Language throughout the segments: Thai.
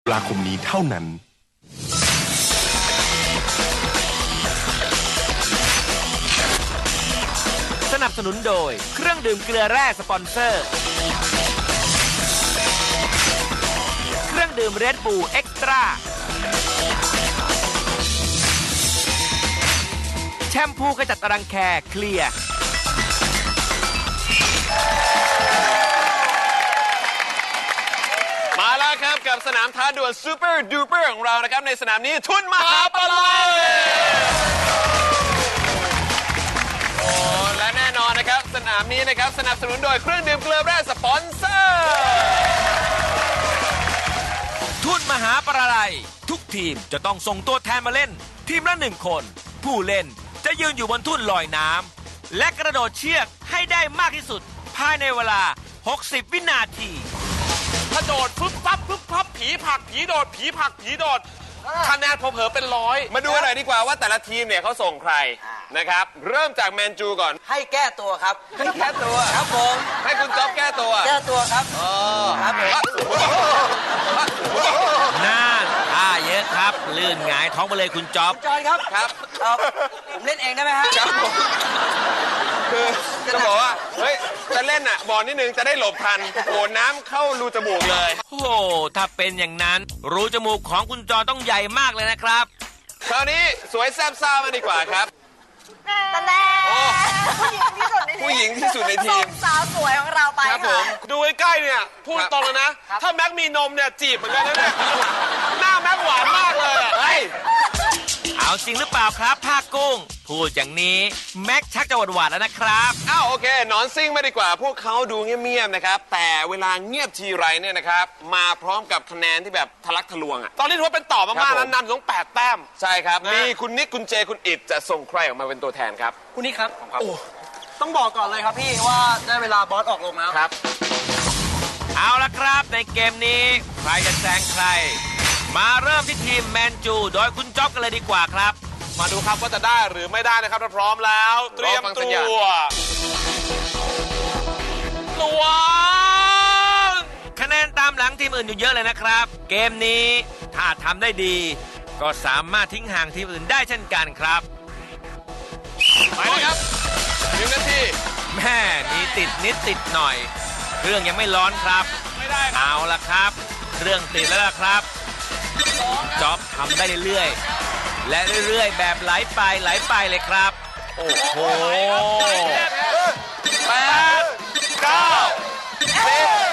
ตุลาคมนี้เท่านั้นสนับสนุนโดยเครื่องดื่มเกลือแร่สปอนเซอร์เครื่องดื่มเรดบูลเอ็กซ์ตร้าแชมพูขจัดรังแคเคลียร์มาแล้วครับกับสนามท้าดวลซูเปอร์ดูเปอร์ของเรานะครับในสนามนี้ทุนมหาปลัยโอ้และแน่นอนนะครับสนามนี้นะครับสนับสนุนโดยเครื่องดื่มเกลือแร่สปอนเซอร์ทุนมหาปลัยทุกทีมจะต้องส่งตัวแทนมาเล่นทีมละ1 คนผู้เล่นจะยืนอยู่บนทุ่นลอยน้ำและกระโดดเชือกให้ได้มากที่สุดภายในเวลา60 วินาทีถ้าโดดฟึบฟับฟึบฟับผีผักผีโดดผีผักผีโดดคะแนนเผลอๆเป็นร้อยมาดูหน่อยดีกว่าว่าแต่ละทีมเนี่ยเขาส่งใครนะครับเริ่มจากแมนจูก่อนให้แก้ตัวครับให้แก้ตัวครับผมให้คุณจ๊อบแก้ตัวครับครับผมน่าท่าเยอะครับลื่นหงายท้องไปเลยคุณจ๊อบจอยครับครับผมเล่นเองได้ไหมฮะครับผมคือจะบอกว่าเฮ้ยจะเล่นอ่ะบอลนิดนึงจะได้หลบทันโอ้น้ำเข้ารูจมูกเลยโอ้ถ้าเป็นอย่างนั้นรูจมูกของคุณจอต้องใหญ่มากเลยนะครับคราวนี้สวยแซ่บซ่ามาดีกว่าครับตะแน่ผู้หญิงที่สุดในทีมสาวสวยของเราไปครับผมดูใกล้ๆเนี่ยพูดตรงเลยนะถ้าแม็กมีนมเนี่ยจีบเหมือนกันนะเนี่ยหน้าแม็กหวานมากเลยเฮ้ยเอาจริงหรือเปล่าครับผ้ากุ้งพูดอย่างนี้แม็กชักจะหวานๆแล้วนะครับอ้าวโอเคนอนซิ่งมาดีกว่าพวกเขาดูเงียบๆนะครับแต่เวลาเงียบทีไรเนี่ยนะครับมาพร้อมกับคะแนนที่แบบทะลักทะลวงอ่ะตอนนี้ถือว่าเป็นต่อมากๆนะนำต้อง8 แต้มใช่ครับมีคุณนิกคุณเจคุณอิดจะส่งใครออกมาเป็นตัวแทนครับคุณนิกครับโอ้ต้องบอกก่อนเลยครับพี่ว่าได้เวลาบอสออกลงแล้วครับเอาละครับในเกมนี้ใครจะแซงใครมาเริ่มที่ทีมแมนจูโดยคุณจ๊อบกันเลยดีกว่าครับมาดูครับว่าจะได้หรือไม่ได้นะครับถ้าพร้อมแล้วเตรียมตัวคะแนนตามหลังทีมอื่นอยู่เยอะเลยนะครับเกมนี้ถ้าทำได้ดีก็สามารถทิ้งห่างทีมอื่นได้เช่นกันครับไปครับ1 นาทีแม่มีติดนิดติดหน่อยเครื่องยังไม่ร้อนครับไม่ได้เอาละครับเครื่องติดแล้วล่ะครับจ๊อบทำได้เรื่อยๆและเรื่อยๆแบบไหลไปเลยครับโอ้โห 8 9 10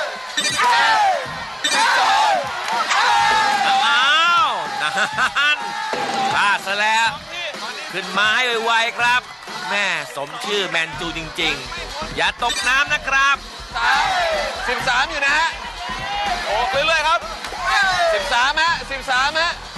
12อ้าวนั่นพลาดซะแล้วขึ้นมาให้ไวๆครับแม่สมชื่อแมนจูจริงๆอย่าตกน้ำนะครับ 13อยู่นะฮะโอ้เรื่อยๆครับ13ฮะ14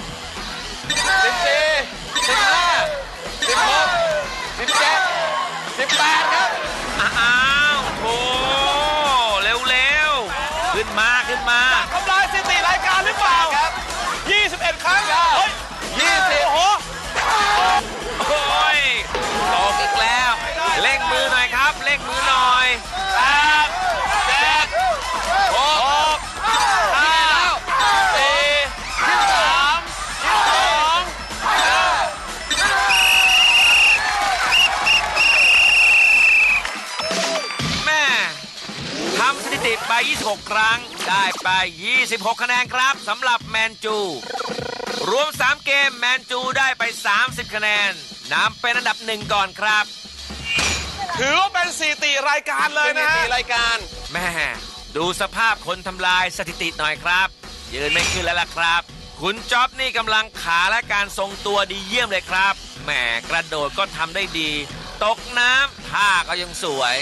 15 16 17 18ครับอ้าวโถเร็วๆขึ้นมาทำลายสถิติรายการหรือเปล่าครับ21 ครั้งเฮ้ย20โอ้โหตกอีกแล้วเร่งมือหน่อยครับเร่งมือหน่อย 8 7 6 5 4 3 2 แม่ทำสถิติไป26 ครั้งได้ไป26 คะแนนครับสำหรับแมนจูรวม3 เกมแมนจูได้ไป30 คะแนนนำเป็นอันดับ1ก่อนครับถือว่าเป็นสถิติรายการเลยนะสถิติรายการแม่ดูสภาพคนทำลายสถิติหน่อยครับยืนไม่ขึ้นแล้วล่ะครับคุณจ๊อบนี่กำลังขาและการทรงตัวดีเยี่ยมเลยครับแหมกระโดดก็ทำได้ดีตกน้ำท่าก็ยังสวย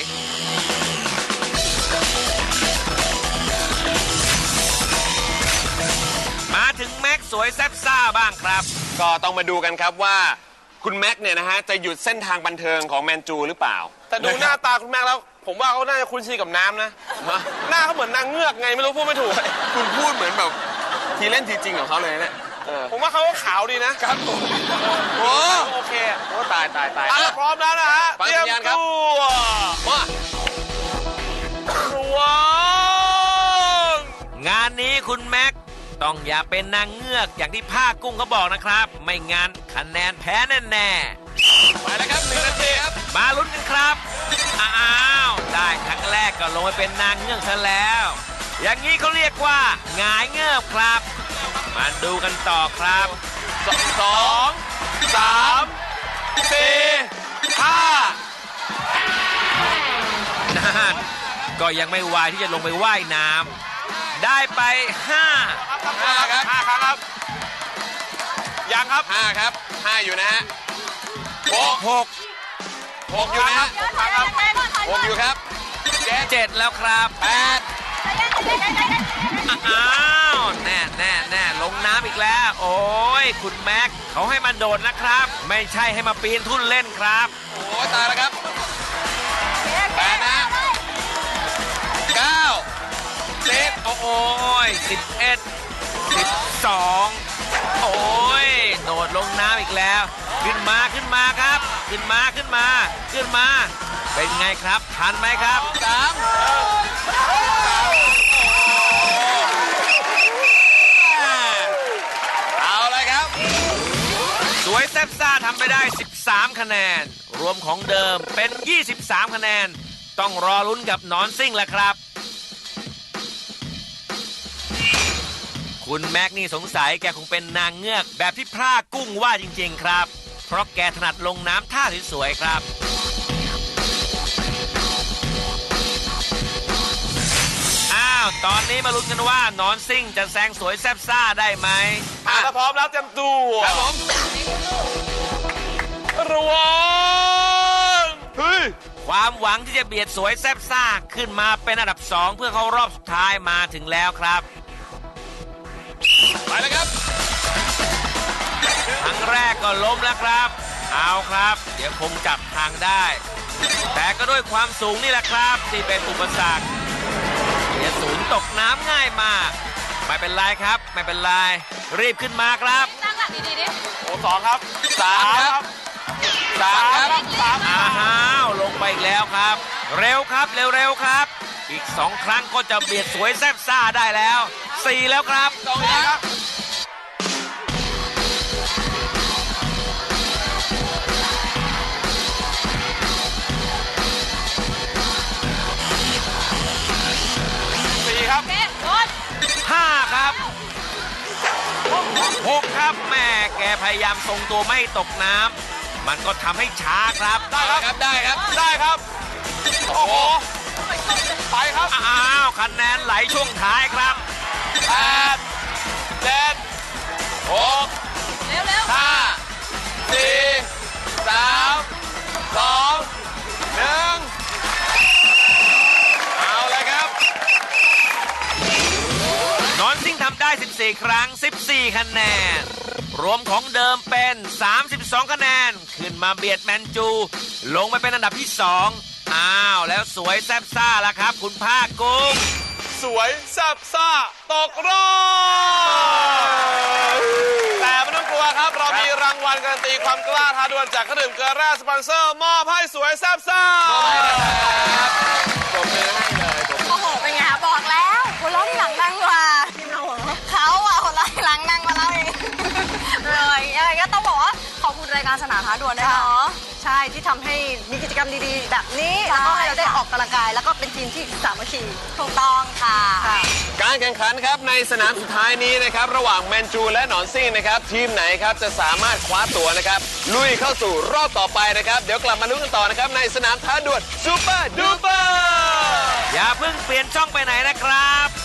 มาถึงแม็กสวยแซ่บซ่าบ้างครับก็ต้องมาดูกันครับว่าคุณแม็กเนี่ยนะฮะจะหยุดเส้นทางบันเทิงของแมนจูหรือเปล่าแต่ดูหน้าตาคุณแม็กแล้วผมว่าเขาน่าจะคุ้นชินกับน้ำนะหน้าเขาเหมือนนางเงือกไงไม่รู้พูดไม่ถูกคุณพูดเหมือนแบบทีเล่นทีจริงของเขาเลยเนี่ยผมว่าเขาก็ขาวดีนะครับผมโอเคโอ้ตายพร้อมแล้วนะฮะเตรียมตัวมางานนี้คุณแม็กต้องอย่าเป็นนางเงือกอย่างที่ผ้ากุ้งเขาบอกนะครับ ไม่งั้นคะแนนแพ้แน่ๆไปแล้วครับ1 นาทีครับมาลุ้นกันครับ อ้าว ได้ครั้งแรกก็ลงไปเป็นนางเงือกซะแล้ว อย่างนี้เขาเรียกว่าหงายเงือกครับ มาดูกันต่อครับ 2 3 4 5 นั่นก็ยังไม่วายที่จะลงไปว่ายน้ำได้ไป 5 ครับ 5 ครั้งครับ ยังครับ 5 ครับ 5 อยู่นะฮะ 5 6 6 อยู่นะฮะ 6 อยู่ครับ 7 แล้วครับ 8 อ้าวแน่ลงน้ำอีกแล้ว โอ้ยคุณแม็กเขาให้มาโดดนะครับ ไม่ใช่ให้มาปีนทุ่นเล่นครับโอ้ยตายแล้วครับ8 นะ 9 10 โอ้ย11 12 โอ้ยโดดลงน้ำอีกแล้ว ขึ้นมาครับ ขึ้นมา เป็นไงครับ ทันไหมครับเอาเลยครับสวยแซ่บซ่าทำไปได้ 13 คะแนน รวมของเดิมเป็น 23 คะแนน ต้องรอลุ้นกับหนอนซิ่งแล้วครับ คุณแม็กนี่สงสัยแกคงเป็นนางเงือกแบบที่พร่ากุ้งว่าจริงๆครับ เพราะแกถนัดลงน้ำท่าสวยๆครับ อ้าว ตอนนี้มาลุ้นกันว่าหนอนซิ่งจะแซงสวยแซ่บซ่าได้ไหมถ้าพร้อมแล้วเตรียมตัวครับผมระวังเฮ้ยความหวังที่จะเบียดสวยแซ่บซ่าขึ้นมาเป็นอันดับ 2 เพื่อเข้ารอบสุดท้ายมาถึงแล้วครับไปเลยครับครั้งแรกก็ล้มแล้วครับ เอาครับ เดี๋ยวคงจับทางได้ แต่ก็ด้วยความสูงนี่แหละครับที่เป็นอุปสรรคเดี๋ยวศูนย์ตกน้ำง่ายมาก ไม่เป็นไรครับ ไม่เป็นไร รีบขึ้นมาครับตั้งหลักดีๆดิโอ้2 ครับ 3 ครับ 3 ครับอ้าวลงไปอีกแล้วครับ เร็วครับเร็วๆครับ อีก 2 ครั้งก็จะเบียดสวยแซ่บซ่าได้แล้ว 4 แล้วครับ 2 ครับ 4 ครับเอ๊ะโดน 5 ครับ 6 ครับแม่แกพยายามทรงตัวไม่ให้ตกน้ำมันก็ทำให้ช้าครับได้ครับ ได้ครับได้ครับ โอ้โห ไปครับอ้าวคะแนนไหลช่วงท้ายครับ 8 7 6 เร็ว 5 4 3 2 1 เอาเลยครับนอนซิ่งทำได้ 14 ครั้ง 14 คะแนน รวมของเดิมเป็น 32 คะแนน ขึ้นมาเบียดแมนจู ลงไปเป็นอันดับที่ 2 อ้าว แล้วสวยแซ่บซ่าแล้วครับ คุณภาคกุ้งสวยแซ่บซ่า ตกรอบ แต่ไม่ต้องกลัวครับ เรามีรางวัลการันตีความกล้าท้าดวลจากเครื่องดื่มเกลือแร่สปอนเซอร์ มอบให้สวยแซ่บซ่าปรบมือให้เลยๆโอ้โห เป็นไงคะบอกแล้วหัวเราะที่หลังดังกว่าทีมเราเหรอเขาอะหัวเราะที่หลังดังกว่าเราเองเลยยังไงก็ต้องบอกว่าขอบคุณรายการสนามท้าดวลด้วยเนาะใช่ที่ทำให้มีกิจกรรมดีๆ แบบนี้ แล้วก็ให้เราได้ออกกำลังกาย แล้วก็เป็นทีมที่สามัคคีถูกต้องค่ะการแข่งขันครับในสนามสุดท้ายนี้นะครับระหว่างแมนจูและหนอนซิ่งนะครับทีมไหนครับจะสามารถคว้าตั๋วนะครับลุยเข้าสู่รอบต่อไปนะครับเดี๋ยวกลับมาลุ้นกันต่อนะครับในสนามท้าดวลซูเปอร์ดูเปอร์อย่าเพิ่งเปลี่ยนช่องไปไหนนะครับ